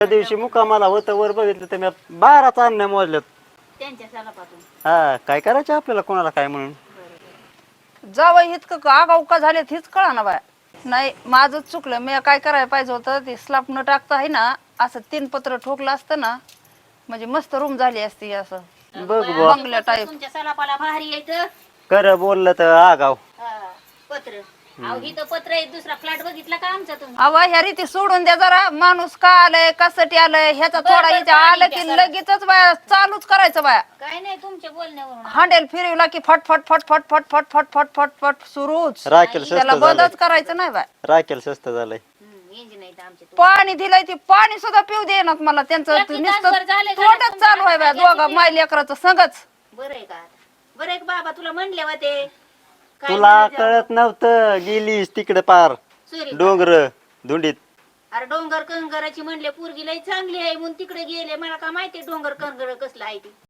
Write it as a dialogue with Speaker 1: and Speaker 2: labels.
Speaker 1: त्या दिवशी मुकामाला होतं वर बघितलं तर मी 12 चांदण्या मोजल्यात.
Speaker 2: त्यांच्या सलापातून.
Speaker 1: हा काय करायचं आपल्याला कोणाला काय म्हणून.
Speaker 3: जावं इतकं आगाऊ का झाले हेच कळा ना बाय. नाही माझंच चुकलं, मी काय करायला पाहिजे होतं ते स्लाप न टाकता आहे ना असं 3 पत्र ठोकलं असतं ना म्हणजे मस्त रूम झाली असती असं
Speaker 1: बघ बुवा
Speaker 3: बंगल्या टाईप.
Speaker 2: तुमच्या सलापाला भारी यायचं
Speaker 1: खरं बोललं तर आगाव.
Speaker 2: पत्र. अहो इथं पत्र आहे, दुसरा फ्लॅट बघितला का आमचा तुम्ही?
Speaker 3: अव ह्या रीती सोडून द्या जरा, माणूस का आलाय कसाठी आलाय ह्याचा
Speaker 2: बरं,
Speaker 3: थोडा
Speaker 2: बरं,
Speaker 3: हिच्या
Speaker 2: पाणी
Speaker 3: आलं
Speaker 2: द्या
Speaker 3: की
Speaker 2: जरा.
Speaker 3: लगेचच बाया चालूच करायचं बाया.
Speaker 2: काय नाही तुमच्या बोलण्यावरून.
Speaker 3: हांडेल फिरवला की फट फट फट फट फट फट फट फट फट फट सुरूच.
Speaker 1: राखेल
Speaker 3: त्याला
Speaker 1: स्वस्त झालंय.
Speaker 3: बंदच करायचं नाही बाय.
Speaker 1: राखेल स्वस्त झालंय.
Speaker 2: इंजिन आहे आमचे.
Speaker 3: पाणी दिलंय ते पाणी सुद्धा पिऊ देणार मला, त्यांचं
Speaker 2: रात्री
Speaker 3: नुसतं
Speaker 2: तासभर झाले का
Speaker 3: तोंडच
Speaker 2: तुमच्या
Speaker 3: चालू आहे बाय
Speaker 2: हातात
Speaker 3: दोघा
Speaker 2: याची
Speaker 3: माय लेकराचं संगच.
Speaker 2: बरं आहे का आता? बरं आहे का बाबा, तुला म्हणले होते काय
Speaker 1: तुला
Speaker 2: म्हणायचं?
Speaker 1: कळत नव्हतं गेलीस तिकडे पार
Speaker 2: सुरी.
Speaker 1: डोंगर धुंडीत.
Speaker 2: अरे डोंगर कंगराची म्हणले पोरगी लई चांगली आहे म्हणून तिकडे गेले, मला का माहिती डोंगर कंगर कसलं आहे ती.